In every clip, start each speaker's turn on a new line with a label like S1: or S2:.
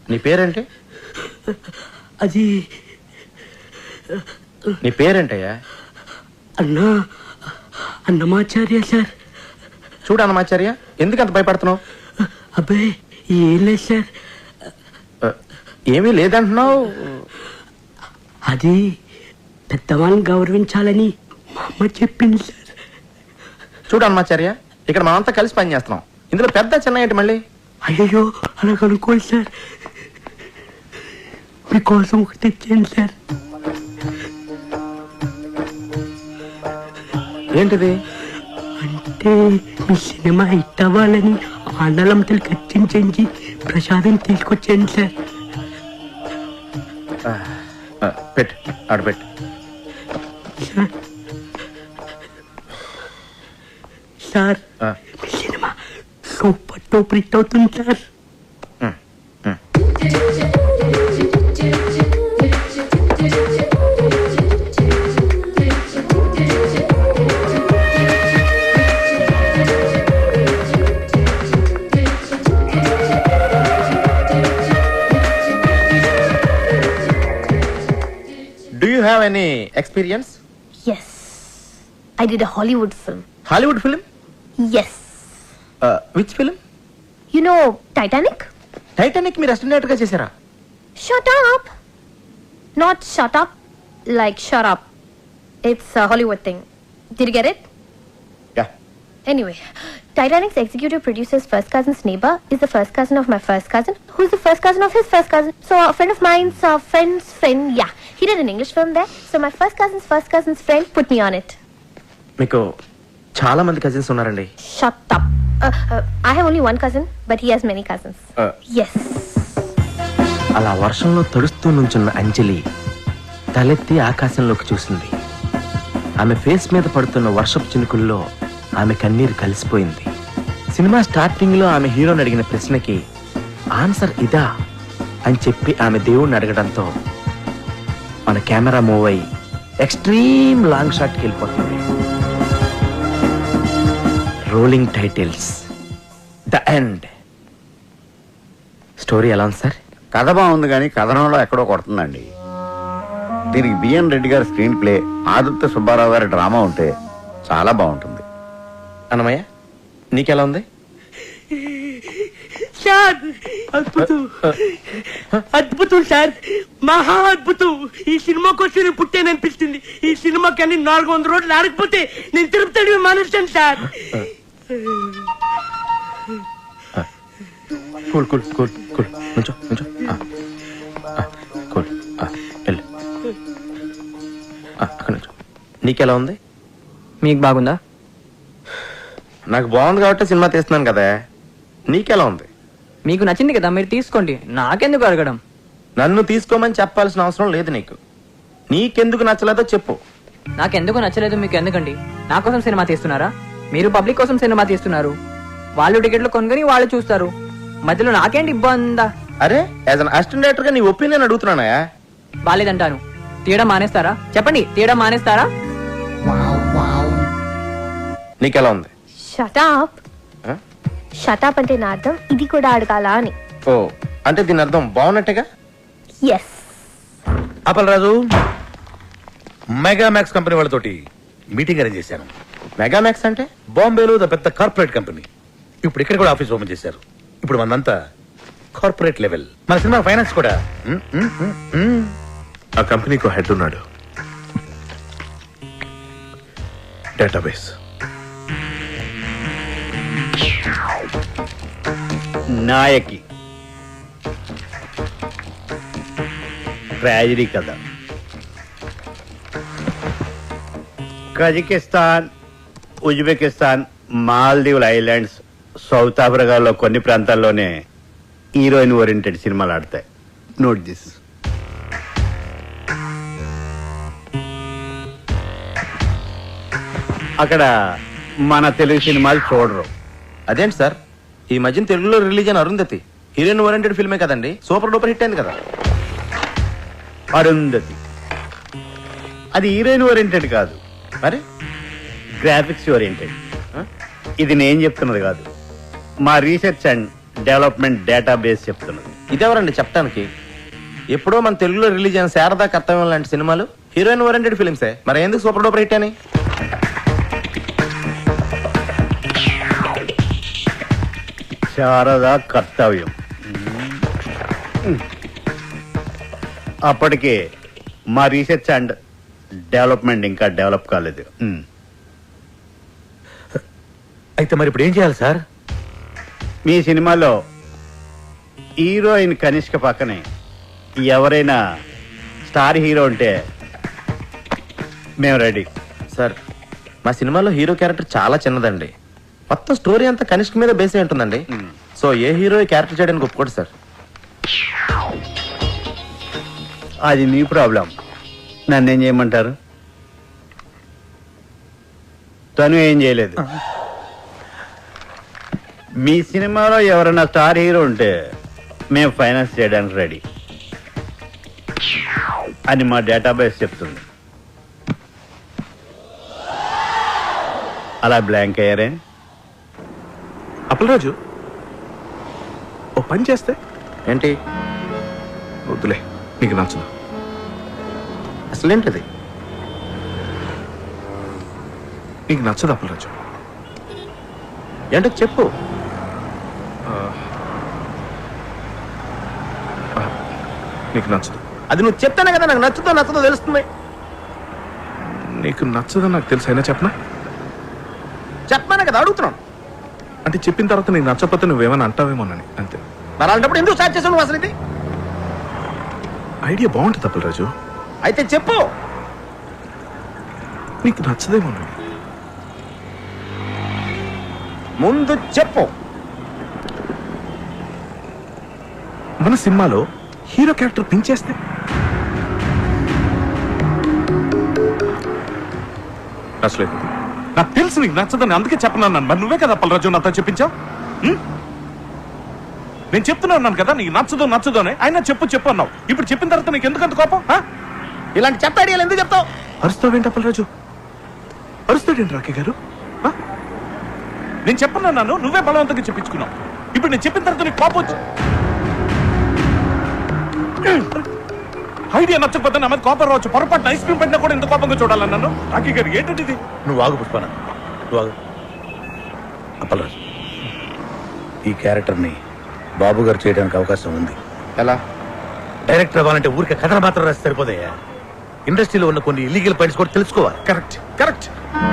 S1: నీ పేరేంటి?
S2: అది
S1: నీ పేరేంటయ్యా?
S2: అన్నమాచార్య సార్.
S1: చూడు అన్నమాచార్య, ఎందుకు అంత భయపడుతున్నావు?
S2: అబ్బాయి ఏం లేదు సార్.
S1: ఏమీ లేదంటున్నావు.
S2: అది పెద్దవాళ్ళని గౌరవించాలని మా అమ్మ చెప్పింది సార్.
S1: చూడు అన్నమాచార్య, ఇక్కడ మనమంతా కలిసి పని చేస్తున్నాం. ఇందులో పెద్ద చిన్న ఏంటి మళ్ళీ?
S2: అయ్యో అలా కనుక్కోండి సార్. మీకోసం ఒకటి తెచ్చాను సార్.
S1: ఏంటిది?
S2: అంటే మీ సినిమా హిట్ అవ్వాలని ఆండలంతలు ఖర్చించి ప్రసాదం తీసుకొచ్చాను సార్.
S1: పెట్టు, ఆడపెట్టు.
S2: సార్ మీ సినిమా సూపర్ టూపర్ హిట్ అవుతుంది sir.
S1: Do you have any experience?
S3: Yes. I did a Hollywood film.
S1: Hollywood film?
S3: Yes.
S1: Which film?
S3: You know Titanic?
S1: Titanic మీరు అసిస్టెంట్ గా చేశారా?
S3: Shut up. Not shut up, like shut up. It's a Hollywood thing. Did you get it?
S1: Yeah.
S3: Anyway, Titanic's executive producer's first cousin's neighbor is the first cousin of my first cousin, who's the first cousin of his first cousin. So a friend of mine's friend's friend, yeah. He did an English film there. So my first cousin's friend put me on it.
S1: మీకు చాలా మంది cousins ఉన్నారండి.
S3: Shut up. I have only one cousin, but he has many cousins. Yes.
S1: అలా వర్షంలో తడుస్తూ నుంచున్న అంజలి తలెత్తి ఆకాశంలోకి చూసింది. ఆమె ఫేస్ మీద పడుతున్న వర్షపు చినుకుల్లో ఆమె కన్నీరు కలిసిపోయింది. సినిమా స్టార్టింగ్ లో ఆమె హీరోని అడిగిన ప్రశ్నకి ఆన్సర్ ఇదా అని చెప్పి ఆమె దేవుణ్ణి అడగడంతో మన కెమెరా మూవ్ అయ్యి ఎక్స్ట్రీమ్ లాంగ్ షాట్కి వెళ్ళిపోతుంది. Rolling titles, the end. Story ఎలా ఉంది సార్?
S4: కథ బాగుంది కానీ కథనంలో ఎక్కడో కొడుతుందండి. దీనికి బిఎన్ రెడ్డి గారి స్క్రీన్ ప్లే, ఆదిత్య సుబ్బారావు గారి డ్రామా ఉంటే చాలా బాగుంటుంది.
S1: అన్నమయ్య, నీకెలా ఉంది?
S2: సార్ అద్భుతం, అద్భుతం సార్, మహా అద్భుతం. ఈ సినిమా కోసం నేను పుట్టాననిపిస్తుంది. ఈ సినిమాకి అన్ని 400 రోజులు ఆడకపోతే నేను తిరుపతి మానేస్తాను sir.
S1: Cool cool cool cool, నుంచో నుంచో. కూల్, వెళ్ళు. అక్కడ నుంచో. నీకెలా ఉంది?
S5: మీకు బాగుందా?
S1: నాకు బాగుంది కాబట్టి సినిమా తీస్తున్నాను కదా. నీకెలా ఉంది?
S5: మీకు నచ్చింది కదా, మీరు తీసుకోండి. నాకెందుకు అడగడం?
S1: నన్ను తీసుకోమని చెప్పాల్సిన అవసరం లేదు నీకు. నీకెందుకు నచ్చలేదో చెప్పు.
S5: నాకెందుకు నచ్చలేదు మీకు ఎందుకండి? నా కోసం సినిమా తీస్తున్నారా? మీరు పబ్లిక్ కోసం సినిమా తీస్తున్నారు. వాళ్ళు టికెట్లు కొనుగొని వాళ్ళు చూస్తారు. మధ్యలో నాకేంటి ఇబ్బందా?
S1: అరే, యాజ్ అన్ అసిస్టెంట్ డైరెక్టర్ గా నీ ఒపీనియన్ అడుగుతున్నానా?
S5: బాలేదంటాను. తీయడం మానేస్తారా? చెప్పండి, తీయడం మానేస్తారా?
S1: నీకెలా ఉంది?
S3: Shut up. Shut up అంటే నా అర్థం ఇది కూడా అడగాలా అని.
S1: ఓ, అంటే దీని అర్థం బాగున్నట్టుగా.
S3: Yes.
S6: అప్పలరాజు, మెగామాక్స్ కంపెనీ వాళ్ళతోటి మీటింగ్ అరేంజ్ చేశాను.
S1: మెగామాక్స్ అంటే?
S6: బాంబేలో పెద్ద కార్పొరేట్ కంపెనీ. ఇప్పుడు ఇక్కడ కూడా ఆఫీస్ ఓపెన్ చేశారు. ఇప్పుడు మనంతా కార్పొరేట్ లెవెల్. మన సినిమా ఫైనాన్స్ కూడా.
S7: ఆ కంపెనీకి హెడ్ ఉన్నాడు. డేటాబేస్,
S4: నాయకి, ట్రాజడీ కథ. కజకిస్తాన్, ఉజ్బెకిస్తాన్, మాల్దీవుల ఐలాండ్స్, సౌత్ ఆఫ్రికాలో కొన్ని ప్రాంతాల్లోనే హీరోయిన్ ఓరియంటెడ్ సినిమాలు ఆడతాయి. Note this. అక్కడ మన తెలుగు సినిమాలు చూడరు.
S1: అదేంటి సార్, ఈ మధ్యన తెలుగులో రిలీజ్ అయిన అరుంధతి హీరోయిన్ ఓరియంటెడ్ ఫిల్మే కదండి, సూపర్ డూపర్ హిట్ అయింది కదా.
S4: అరుంధతి అది హీరోయిన్ ఓరియంటెడ్ కాదు,
S1: మరి
S4: గ్రాఫిక్స్ ఓరియంటెడ్. ఇది నేను చెప్తున్నది కాదు, మా రీసెర్చ్ అండ్ డెవలప్మెంట్ డేటాబేస్ చెప్తున్నది.
S1: ఇదెవరండి చెప్పడానికి? ఎప్పుడో మన తెలుగులో రిలీజ్ అయిన శారదా కర్తవ్యం లాంటి సినిమాలు హీరోయిన్ ఓరియంటెడ్ ఫిలిమ్సే, మరి ఎందుకు సూపర్ డూపర్ హిట్ అని?
S4: శారదా కర్తవ్యం. అప్పటికే మా రీసెర్చ్ అండ్ డెవలప్మెంట్ ఇంకా డెవలప్ కాలేదు.
S6: అయితే మరి ఇప్పుడు ఏం చేయాలి సార్?
S4: మీ సినిమాలో హీరోయిన్ కనిష్క పక్కనే ఎవరైనా స్టార్ హీరో ఉంటే మేము రెడీ.
S1: సార్, మా సినిమాలో హీరో క్యారెక్టర్ చాలా చిన్నదండి. మొత్తం స్టోరీ అంతా కనిష్క మీద బేస్ అయి ఉంటుందండి. సో ఏ హీరో క్యారెక్టర్ చేయడానికి ఒప్పుకోడు సార్.
S4: అది మీ ప్రాబ్లం. నన్ను ఏం చేయమంటారు? తను ఏం చేయలేదు. మీ సినిమాలో ఎవరైనా స్టార్ హీరో ఉంటే మేము ఫైనాన్స్ చేయడానికి రెడీ అని మా డేటాబేస్ చెప్తుంది. అలా బ్లాంక్ అయ్యారే?
S7: అప్పలరాజు, ఓ పని చేస్తే
S1: ఏంటి?
S7: వద్దులే, నీకు నచ్చదు.
S1: అసలేంటిది?
S7: నీకు నచ్చదు అప్పలరాజు.
S1: ఏంటో చెప్పు.
S7: నీకు నచ్చదు.
S1: అది నువ్వు చెప్తానే కదా నాకు నచ్చుతో నచ్చదో తెలుస్తుంది.
S7: నీకు నచ్చదని నాకు తెలుసు, అయినా చెప్పనా?
S1: చెప్పానే కదా అడుగుతున్నాను.
S7: అంటే చెప్పిన తర్వాత నీకు నచ్చకపోతే నువ్వేమని అంటావేమోనని అంతే.
S1: మరి అలాంటప్పుడు ఎందుకు స్టార్ట్ చేసావు నువ్వు అసలు ఇది?
S7: ఐడియా బాగుంటుంది అప్పలరాజు.
S1: అయితే చెప్పు.
S7: నీకు నచ్చదేమోనని.
S1: ముందు చెప్పు.
S7: మన సినిమాలో హీరో క్యారెక్టర్ పెంచేస్తే అసలేదు. నాకు తెలుసు నీకు నచ్చదని, అందుకే చెప్పనన్నాను. మరి నువ్వే కదా అప్పలరాజు నాతో చెప్పించావు. నేను చెప్తున్నాను కదా నీకు నచ్చదు అని. అయినా చెప్పు అన్నావు. ఇప్పుడు చెప్పిన తర్వాత నీకు ఎందుకంత కోపం?
S1: ఇలాంటి చెత్త ఐడియాలు ఎందుకు చెప్తావు?
S7: అరుస్తావేంటి అప్పలరాజు? అరుస్తాడేంటి రాకే గారు? నేను చెప్పనన్నాను, నువ్వే బలవంతంగా చెప్పించుకున్నావు. ఇప్పుడు నేను చెప్పిన తర్వాత నీకు కోపం వచ్చి ఐడియా నచ్చకపోతే నా మీద కోపం రావచ్చు. పొరపాటు ఐస్ క్రీమ్ పెట్టినా కూడా ఇంత కోపంగా చూడాలన్నాను. రాకే గారు ఏంటంటే ఇది?
S6: నువ్వు ఆగు పుష్పన, నువ్వు ఆగు. అప్పలరాజు, ఈ క్యారెక్టర్ని బాబు గారు చేయడానికి అవకాశం ఉంది.
S1: ఎలా?
S6: డైరెక్టర్ అవ్వాలంటే ఊరికే కథలు మాత్రం రాసి సరిపోతాయా? ఇండస్ట్రీలో ఉన్న కొన్ని ఇల్లీగల్ పాయింట్స్ కూడా తెలుసుకోవాలి.
S7: కరెక్ట్ కరెక్ట్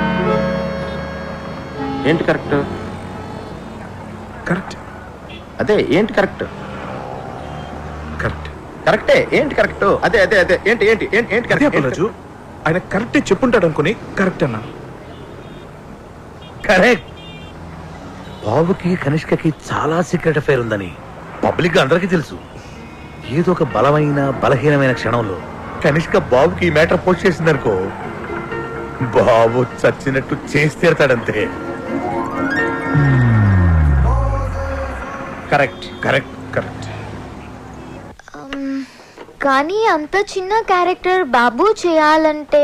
S1: ఏంటి కరెక్ట్?
S7: కరెక్ట్
S1: అదే ఏంటి కరెక్ట్?
S7: కరెక్ట్
S1: కరెక్టే. ఏంటి కరెక్ట్? అదే అదే అదే ఏంటి ఏంటి ఏంటి ఏంటి
S7: అదే
S1: కరెక్ట్?
S7: అప్పలరాజు, ఆయన కరెక్టే చెప్పుంటాడు అనుకుని కరెక్ట్ అన్నాను.
S6: కరెక్ట్. బాబుకి కనిష్కకి చాలా సీక్రెట్ అఫైర్ ఉందని పబ్లిక్ అందరికీ తెలుసు. ఏదో ఒక బలమైన బలహీనమైన క్షణంలో కనిష్క బాబుకి ఈ మ్యాటర్ పోస్ట్ చేసిందనుకో, బాబు చచ్చినట్టు చేసి తీరతాడంతే.
S1: Correct
S7: correct correct.
S3: కానీ అంత చిన్న క్యారెక్టర్ బాబు చేయాలంటే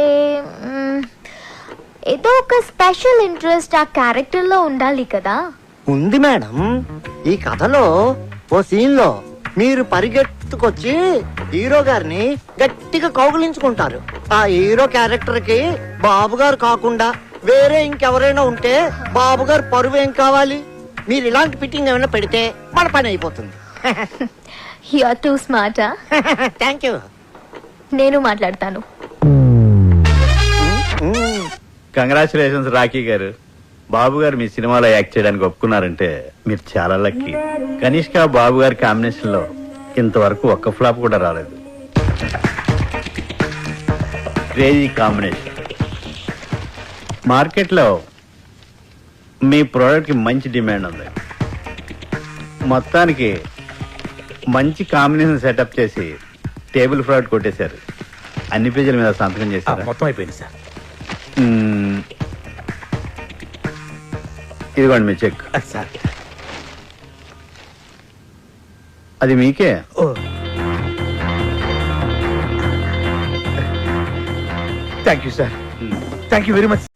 S3: ఏదో ఒక స్పెషల్ ఇంట్రెస్ట్ ఆ క్యారెక్టర్ లో ఉండాలి కదా.
S8: ఉంది మేడం. ఈ కథలో ఓ సీన్ లో మీరు పరిగెత్తుకొచ్చి హీరో గారిని గట్టిగా కౌగులించుకుంటారు. ఆ హీరో క్యారెక్టర్ కి బాబు గారు కాకుండా వేరే ఇంకెవరైనా ఉంటే బాబు గారు పరువు ఏం కావాలి? మీరు ఇలాంటి ఫిట్టింగ్ ఏమైనా పెడితే మన పని అయిపోతుంది.
S3: You are too smart.
S8: Thank you.
S3: నేను మాట్లాడతాను.
S4: కంగ్రాచులేషన్స్ రాఖీ గారు. బాబు గారు మీ సినిమాలో యాక్ట్ చేయడానికి ఒప్పుకున్నారంటే మీరు చాలా లక్కీ. కనిష్క బాబు గారి కాంబినేషన్ లో ఇంతవరకు ఒక్క ఫ్లాప్ కూడా రాలేదు. Crazy combination. మార్కెట్లో మీ ప్రోడక్ట్ కి మంచి డిమాండ్ ఉంది. మొత్తానికి మంచి కాంబినేషన్ సెటప్ చేసి టేబుల్ ఫ్రాడ్ కొట్టేశారు. అన్ని పేజీల మీద సంతకం చేశారు.
S6: మొత్తం అయిపోయింది సార్.
S4: ఇదిగోండి మీ చెక్.
S6: సార్
S4: అది మీకే.
S6: Thank you sir. Thank you very much.